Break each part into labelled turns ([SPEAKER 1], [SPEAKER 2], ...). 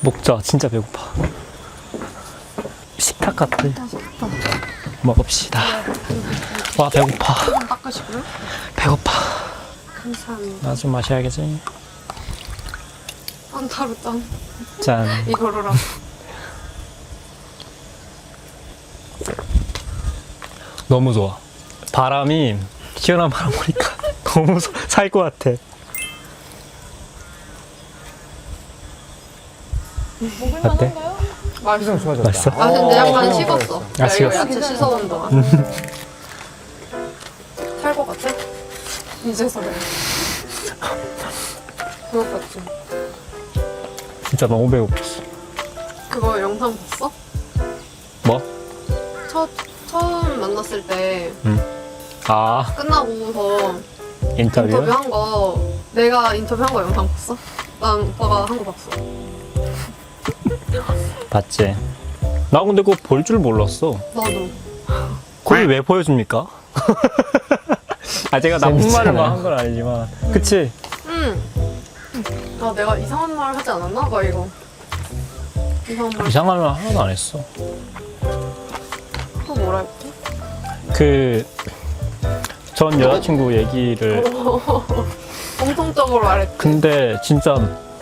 [SPEAKER 1] 먹자. 진짜 배고파. 식탁 같아. 먹읍시다. 와 배고파.
[SPEAKER 2] 좀 닦으시고요.
[SPEAKER 1] 배고파.
[SPEAKER 2] 감사합니다.
[SPEAKER 1] 나 좀 마셔야겠지.
[SPEAKER 2] 안타로 짠.
[SPEAKER 1] 짠.
[SPEAKER 2] 이거로라.
[SPEAKER 1] 너무 좋아. 바람이 시원한 바람 보니까 너무 살 것 같아. 어때?
[SPEAKER 2] 맛있어.
[SPEAKER 3] 좋아졌다.
[SPEAKER 1] 맛있어?
[SPEAKER 2] 아 근데 약간 식었어.
[SPEAKER 1] 아,
[SPEAKER 2] 야, 이거
[SPEAKER 1] 식었어?
[SPEAKER 2] 야채 씻어온 동안. 살 것 같아? 이제서 그래. 그럴 것 같지.
[SPEAKER 1] 진짜 너무 배고팠어.
[SPEAKER 2] 그거 영상 봤어?
[SPEAKER 1] 뭐?
[SPEAKER 2] 처음 만났을 때
[SPEAKER 1] 아
[SPEAKER 2] 끝나고서
[SPEAKER 1] 인터뷰?
[SPEAKER 2] 인터뷰한 거 내가 인터뷰한 거 영상 봤어? 난 오빠가 한 거 봤어.
[SPEAKER 1] 봤지. 나 근데 그거 볼 줄 몰랐어.
[SPEAKER 2] 나도.
[SPEAKER 1] 그걸 왜 보여줍니까? 아 제가 나쁜
[SPEAKER 3] 재밌잖아요.
[SPEAKER 1] 말을 한 건 아니지만 그치?
[SPEAKER 2] 응. 아 내가 이상한 말 하지 않았나? 막 이거. 이상한 말.
[SPEAKER 1] 이상한 말 하나도 안 했어.
[SPEAKER 2] 또 뭐라 했지?
[SPEAKER 1] 그 전 여자친구 얘기를
[SPEAKER 2] 공통적으로 말했지.
[SPEAKER 1] 근데 진짜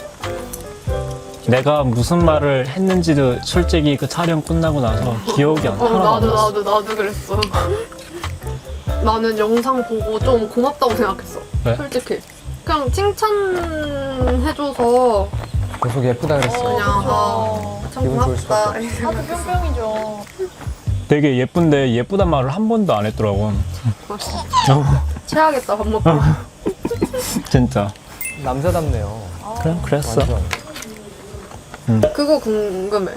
[SPEAKER 1] 내가 무슨 말을 했는지도 솔직히 그 촬영 끝나고 나서 기억이 하나도 안 났어.
[SPEAKER 2] 나도 그랬어. 나는 영상 보고 좀 고맙다고 생각했어.
[SPEAKER 1] 왜?
[SPEAKER 2] 솔직히. 그냥 칭찬해줘서
[SPEAKER 3] 계속 예쁘다 그랬어.
[SPEAKER 2] 그냥 참
[SPEAKER 3] 기분 좋을
[SPEAKER 2] 고맙다.
[SPEAKER 4] 하도 뿅뿅이죠.
[SPEAKER 1] 되게 예쁜데 예쁘단 말을 한 번도 안 했더라고.
[SPEAKER 2] 체하겠다 밥 먹고.
[SPEAKER 1] 진짜.
[SPEAKER 3] 남자답네요.
[SPEAKER 1] 그랬어.
[SPEAKER 3] 완전.
[SPEAKER 2] 그거 궁금해.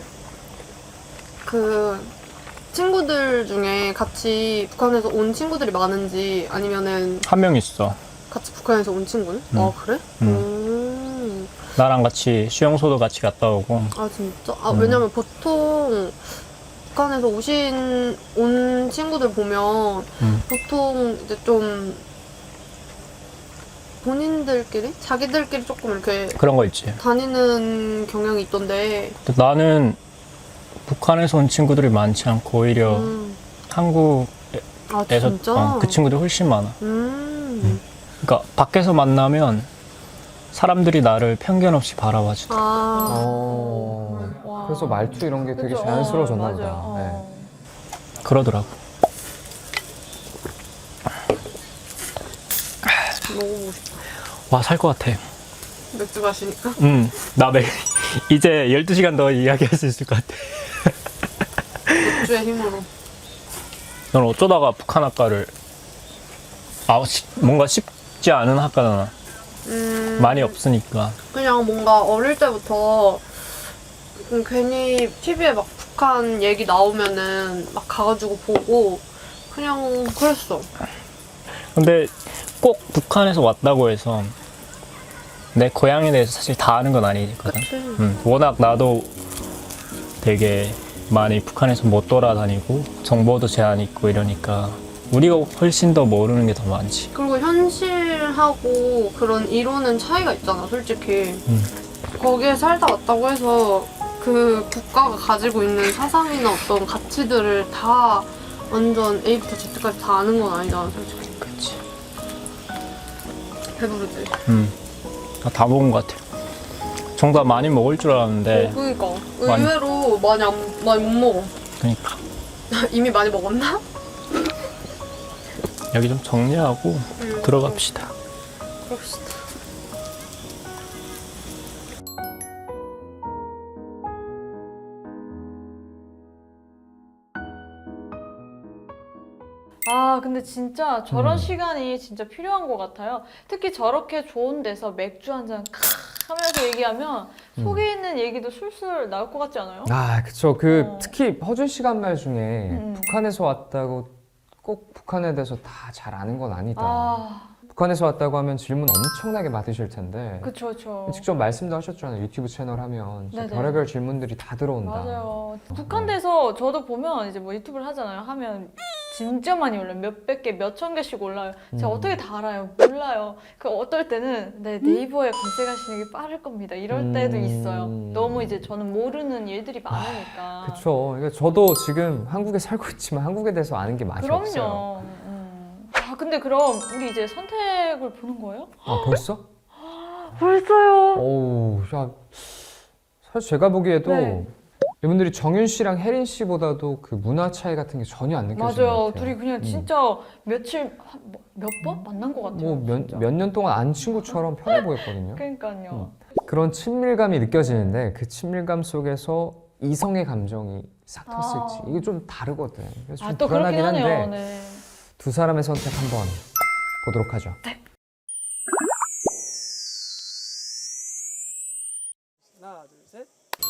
[SPEAKER 2] 그 친구들 중에 같이 북한에서 온 친구들이 많은지 아니면은
[SPEAKER 1] 한 명 있어.
[SPEAKER 2] 같이 북한에서 온 친구는? 아 그래?
[SPEAKER 1] 나랑 같이 수영소도 같이 갔다 오고.
[SPEAKER 2] 아 진짜? 아 왜냐면 보통 북한에서 온 친구들 보면 보통 이제 좀 본인들끼리? 자기들끼리 조금 이렇게
[SPEAKER 1] 그런 거 있지.
[SPEAKER 2] 다니는 경향이 있던데
[SPEAKER 1] 근데 나는 북한에서 온 친구들이 많지 않고 오히려 한국에서
[SPEAKER 2] 아 진짜?
[SPEAKER 1] 그 친구들이 훨씬 많아. 그러니까 밖에서 만나면 사람들이 나를 편견 없이 바라봐주더라.
[SPEAKER 2] 아
[SPEAKER 3] 그래서 말투 이런 게 되게
[SPEAKER 4] 그죠?
[SPEAKER 3] 자연스러워졌나 보다.
[SPEAKER 4] 맞아요.
[SPEAKER 3] 네.
[SPEAKER 1] 그러더라고.
[SPEAKER 2] 먹어보고 싶다.
[SPEAKER 1] 와, 살 것 같아.
[SPEAKER 2] 맥주 마시니까?
[SPEAKER 1] 이제 12시간 더 이야기할 수 있을 것 같아.
[SPEAKER 2] 맥주의 힘으로.
[SPEAKER 1] 넌 어쩌다가 북한 학과를 뭔가 쉽지 않은 학과잖아. 많이 없으니까.
[SPEAKER 2] 그냥 뭔가 어릴 때부터 괜히 TV에 막 북한 얘기 나오면은 막 가가지고 보고 그냥 그랬어.
[SPEAKER 1] 근데 꼭 북한에서 왔다고 해서 내 고향에 대해서 사실 다 아는 건 아니거든.
[SPEAKER 2] 그치.
[SPEAKER 1] 워낙 나도 되게 많이 북한에서 못 돌아다니고 정보도 제한 있고 이러니까 우리가 훨씬 더 모르는 게 더 많지.
[SPEAKER 2] 그리고 현실하고 그런 이론은 차이가 있잖아, 솔직히. 거기에 살다 왔다고 해서 그 국가가 가지고 있는 사상이나 어떤 가치들을 다 완전 A부터 Z까지 다 아는 건 아니잖아, 솔직히.
[SPEAKER 1] 그치.
[SPEAKER 2] 배부르지?
[SPEAKER 1] 다 먹은 것 같아. 정답 많이 먹을 줄 알았는데
[SPEAKER 2] 그러니까.
[SPEAKER 1] 많이-
[SPEAKER 2] 의외로 많이 못 먹어.
[SPEAKER 1] 그러니까
[SPEAKER 2] 이미 많이 먹었나?
[SPEAKER 1] 여기 좀 정리하고 들어갑시다.
[SPEAKER 2] 그럽시다.
[SPEAKER 4] 아, 근데 진짜 저런 시간이 진짜 필요한 것 같아요. 특히 저렇게 좋은 데서 맥주 한 잔 하면서 얘기하면 속에 있는 얘기도 술술 나올 것 같지 않아요?
[SPEAKER 3] 아, 그쵸. 특히 허준 씨가 한 말 중에 북한에서 왔다고 꼭 북한에 대해서 다 잘 아는 건 아니다.
[SPEAKER 4] 아,
[SPEAKER 3] 북한에서 왔다고 하면 질문 엄청나게 받으실 텐데.
[SPEAKER 4] 그쵸, 그쵸.
[SPEAKER 3] 직접 말씀도 하셨잖아요. 유튜브 채널 하면 진짜
[SPEAKER 4] 네네.
[SPEAKER 3] 별의별 질문들이 다 들어온다.
[SPEAKER 4] 맞아요. 북한 돼서 저도 보면 이제 뭐 유튜브를 하잖아요. 하면 진짜 많이 올라요. 몇백 개, 몇천 개씩 올라요. 제가
[SPEAKER 3] 음.
[SPEAKER 4] 어떻게 다 알아요? 몰라요. 그 어떨 때는 네, 네이버에 검색하시는 게 빠를 겁니다. 이럴 때도 있어요. 너무 이제 저는 모르는 일들이 많으니까.
[SPEAKER 3] 그쵸. 그러니까 저도 지금 한국에 살고 있지만 한국에 대해서 아는 게 많이 없어요.
[SPEAKER 4] 그럼요. 아 근데 그럼 우리 이제 선택을 보는 거예요?
[SPEAKER 3] 아 벌써?
[SPEAKER 4] 벌써요.
[SPEAKER 3] 어우, 야, 사실 제가 보기에도
[SPEAKER 4] 네.
[SPEAKER 3] 이분들이 정윤 씨랑 혜린 씨보다도 그 문화 차이 같은 게 전혀 안 느껴지는 것
[SPEAKER 4] 맞아요.
[SPEAKER 3] 같아요.
[SPEAKER 4] 둘이 그냥 진짜 며칠 몇 번 만난 것 같아요. 진짜.
[SPEAKER 3] 몇 년 동안 안 친구처럼 편해 보였거든요.
[SPEAKER 4] 그러니까요.
[SPEAKER 3] 그런 친밀감이 느껴지는데 그 친밀감 속에서 이성의 감정이 싹 텄을지 이게 좀 다르거든. 그래서 좀
[SPEAKER 4] 또 그렇긴
[SPEAKER 3] 불안하긴 한데
[SPEAKER 4] 하네요. 네.
[SPEAKER 3] 두 사람의 선택 한번 보도록 하죠.
[SPEAKER 5] 하나, 둘, 셋.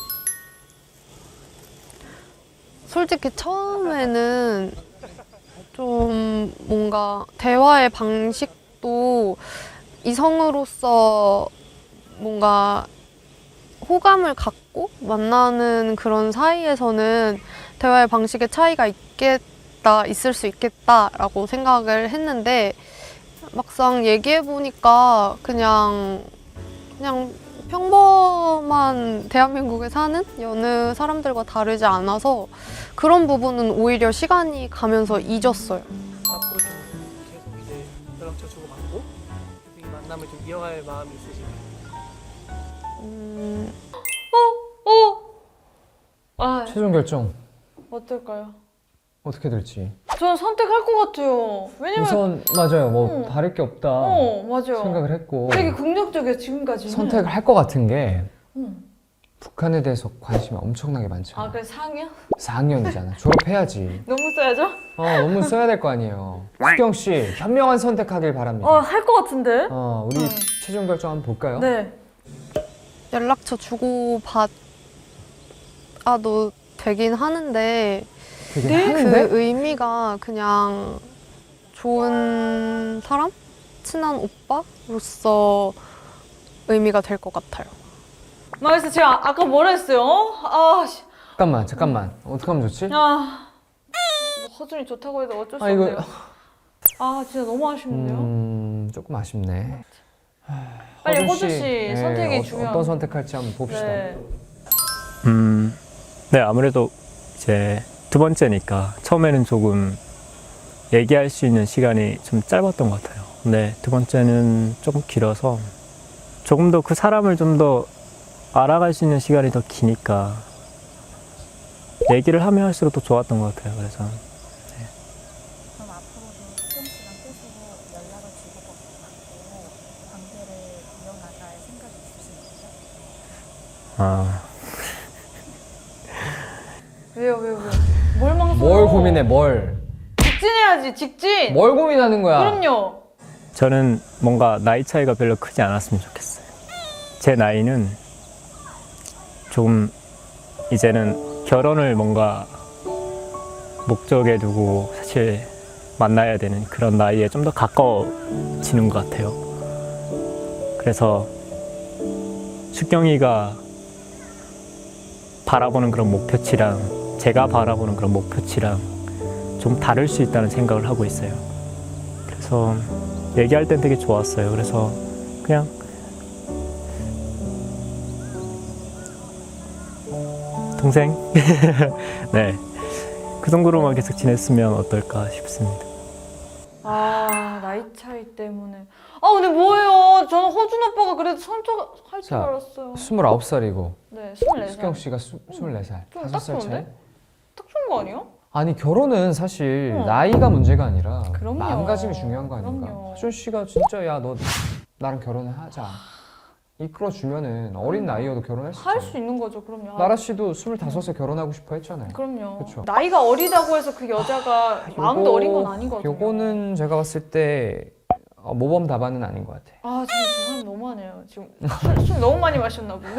[SPEAKER 2] 솔직히 처음에는 좀 뭔가 대화의 방식도 이성으로서 뭔가 호감을 갖고 만나는 그런 사이에서는 대화의 방식의 차이가 있을 수 있겠다라고 생각을 했는데 막상 얘기해보니까 그냥 평범한 대한민국에 사는 여느 사람들과 다르지 않아서 그런 부분은 오히려 시간이 가면서 잊었어요.
[SPEAKER 5] 앞으로 좀 계속 이제 연락처 주고받고 이 만남을 좀 이어갈 마음이 있으신가요?
[SPEAKER 4] 아
[SPEAKER 3] 최종 결정
[SPEAKER 4] 어떨까요?
[SPEAKER 3] 어떻게 될지.
[SPEAKER 4] 저는 선택할 것 같아요. 왜냐면
[SPEAKER 3] 우선 맞아요. 뭐 다를 게 없다
[SPEAKER 4] 맞아요.
[SPEAKER 3] 생각을 했고
[SPEAKER 4] 되게 긍정적이에요 지금까지는.
[SPEAKER 3] 선택을 할 것 같은 게
[SPEAKER 4] 음.
[SPEAKER 3] 북한에 대해서 관심이 엄청나게 많잖아.
[SPEAKER 4] 아 그래 상이요?
[SPEAKER 3] 4학년이잖아. 졸업해야지.
[SPEAKER 4] 너무 써야죠?
[SPEAKER 3] 논문 써야 될 거 아니에요. 수경 씨 현명한 선택하길 바랍니다.
[SPEAKER 4] 할 것 같은데?
[SPEAKER 3] 우리 최종 결정 한번 볼까요?
[SPEAKER 4] 네.
[SPEAKER 2] 연락처 주고받아도 되긴 하는데
[SPEAKER 3] 되게
[SPEAKER 4] 네?
[SPEAKER 3] 하는데
[SPEAKER 2] 그 의미가 그냥 좋은 사람? 친한 오빠로서 의미가 될 것 같아요.
[SPEAKER 4] 마이스 제가 아까 뭐라 했어요?
[SPEAKER 3] 잠깐만 어떻게 하면 좋지?
[SPEAKER 4] 뭐 허준이 좋다고 해도 어쩔 수
[SPEAKER 3] 이거
[SPEAKER 4] 없네요. 진짜 너무 아쉽네요.
[SPEAKER 3] 조금 아쉽네.
[SPEAKER 4] 빨리 허준 씨 선택이 중요한.
[SPEAKER 3] 어떤 선택할지 한번 봅시다.
[SPEAKER 4] 네.
[SPEAKER 1] 네, 아무래도 이제 두 번째니까 처음에는 조금 얘기할 수 있는 시간이 좀 짧았던 것 같아요. 근데 두 번째는 조금 길어서 조금 더 그 사람을 좀 더 알아갈 수 있는 시간이 더 기니까 얘기를 하면 할수록 더 좋았던 것 같아요. 그래서
[SPEAKER 6] 그럼 앞으로도 수경 씨랑 계속 연락을 주고받고 관계를 이어나갈 생각이 있으신가요?
[SPEAKER 4] 왜요? 뭘 망설여?
[SPEAKER 3] 뭘 고민해 뭘?
[SPEAKER 4] 직진해야지 직진.
[SPEAKER 3] 뭘 고민하는 거야?
[SPEAKER 4] 그럼요.
[SPEAKER 1] 저는 뭔가 나이 차이가 별로 크지 않았으면 좋겠어요. 제 나이는 조금 이제는 결혼을 뭔가 목적에 두고 사실 만나야 되는 그런 나이에 좀 더 가까워지는 것 같아요. 그래서 숙경이가 바라보는 그런 목표치랑 제가 바라보는 그런 목표치랑 좀 다를 수 있다는 생각을 하고 있어요. 그래서 얘기할 땐 되게 좋았어요. 그래서 그냥 동생? 네. 그 정도로만 계속 지냈으면 어떨까 싶습니다.
[SPEAKER 4] 나이 차이 때문에. 근데 뭐예요? 저는 허준 오빠가 그래도 선택할 줄
[SPEAKER 3] 자,
[SPEAKER 4] 알았어요.
[SPEAKER 3] 29살이고
[SPEAKER 4] 네, 24살.
[SPEAKER 3] 수경 씨가 24살.
[SPEAKER 4] 좀
[SPEAKER 3] 5살
[SPEAKER 4] 딱
[SPEAKER 3] 차이?
[SPEAKER 4] 좋은데? 딱 좋은 거 아니에요?
[SPEAKER 3] 아니 결혼은 사실
[SPEAKER 4] 어.
[SPEAKER 3] 나이가 문제가 아니라
[SPEAKER 4] 그럼요.
[SPEAKER 3] 마음가짐이 중요한 거 아닌가?
[SPEAKER 4] 그럼요.
[SPEAKER 3] 허준 씨가 진짜 야 너 나랑 결혼을 하자 이끌어 주면은 어린 나이여도 결혼할 수
[SPEAKER 4] 할
[SPEAKER 3] 있잖아요.
[SPEAKER 4] 수 있는 거죠, 그럼요.
[SPEAKER 3] 나라 씨도 25에 결혼하고 싶어 했잖아요.
[SPEAKER 4] 그럼요.
[SPEAKER 3] 그쵸.
[SPEAKER 4] 나이가 어리다고 해서 그 여자가 마음도 어린 건 아니거든요.
[SPEAKER 3] 요거는 제가 봤을 때 모범 답안은 아닌 것 같아.
[SPEAKER 4] 저는 저 사람 너무하네요. 지금 술 너무 많이 마셨나 보네.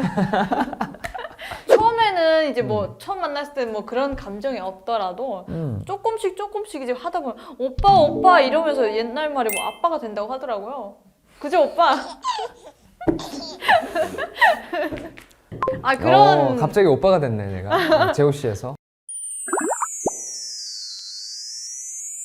[SPEAKER 4] 처음에는 이제 뭐 처음 만났을 때 뭐 그런 감정이 없더라도 조금씩 조금씩 이제 하다 보면 오빠 이러면서 옛날 말에 뭐 아빠가 된다고 하더라고요. 그죠 오빠? 그런
[SPEAKER 3] 갑자기 오빠가 됐네 내가 제호 씨에서.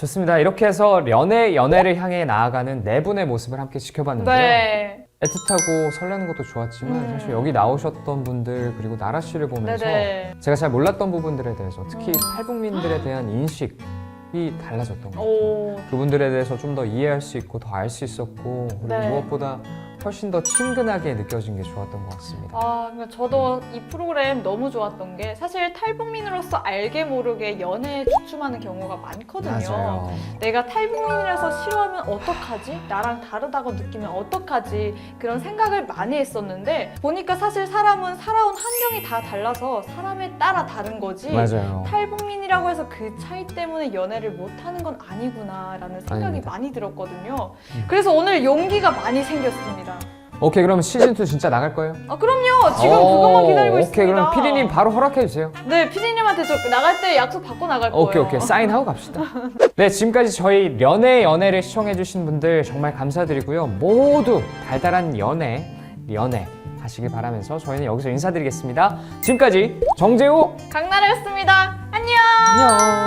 [SPEAKER 3] 좋습니다. 이렇게 해서 연애 연애를 향해 나아가는 네 분의 모습을 함께 지켜봤는데요.
[SPEAKER 4] 네.
[SPEAKER 3] 애틋하고 설레는 것도 좋았지만 사실 여기 나오셨던 분들 그리고 나라 씨를 보면서
[SPEAKER 4] 네네.
[SPEAKER 3] 제가 잘 몰랐던 부분들에 대해서 특히 탈북민들에 대한 인식이 달라졌던 것 같아요.
[SPEAKER 4] 오.
[SPEAKER 3] 그분들에 대해서 좀 더 이해할 수 있고 더 알 수 있었고 그리고
[SPEAKER 4] 네.
[SPEAKER 3] 무엇보다 훨씬 더 친근하게 느껴진 게 좋았던 것 같습니다.
[SPEAKER 4] 아, 그러니까 저도 이 프로그램 너무 좋았던 게 사실 탈북민으로서 알게 모르게 연애에 주춤하는 경우가 많거든요.
[SPEAKER 3] 맞아요.
[SPEAKER 4] 내가 탈북민이라서 싫어하면 어떡하지? 나랑 다르다고 느끼면 어떡하지? 그런 생각을 많이 했었는데 보니까 사실 사람은 살아온 환경이 다 달라서 사람에 따라 다른 거지.
[SPEAKER 3] 맞아요.
[SPEAKER 4] 탈북민이라고 해서 그 차이 때문에 연애를 못하는 건 아니구나라는 생각이
[SPEAKER 3] 아닙니다.
[SPEAKER 4] 많이 들었거든요. 그래서 오늘 용기가 많이 생겼습니다.
[SPEAKER 3] 오케이, 그럼 시즌2 진짜 나갈 거예요?
[SPEAKER 4] 아, 그럼요. 지금 그것만 기다리고 있습니다.
[SPEAKER 3] 오케이, 그럼 피디님 바로 허락해 주세요.
[SPEAKER 4] 네, 피디님한테 저 나갈 때 약속 받고 나갈 거예요.
[SPEAKER 3] 오케이, 사인하고 갑시다. 네, 지금까지 저희 연애 연애를 시청해주신 분들 정말 감사드리고요. 모두 달달한 연애 하시길 바라면서 저희는 여기서 인사드리겠습니다. 지금까지 정재우
[SPEAKER 4] 강나라였습니다. 안녕.
[SPEAKER 3] 안녕.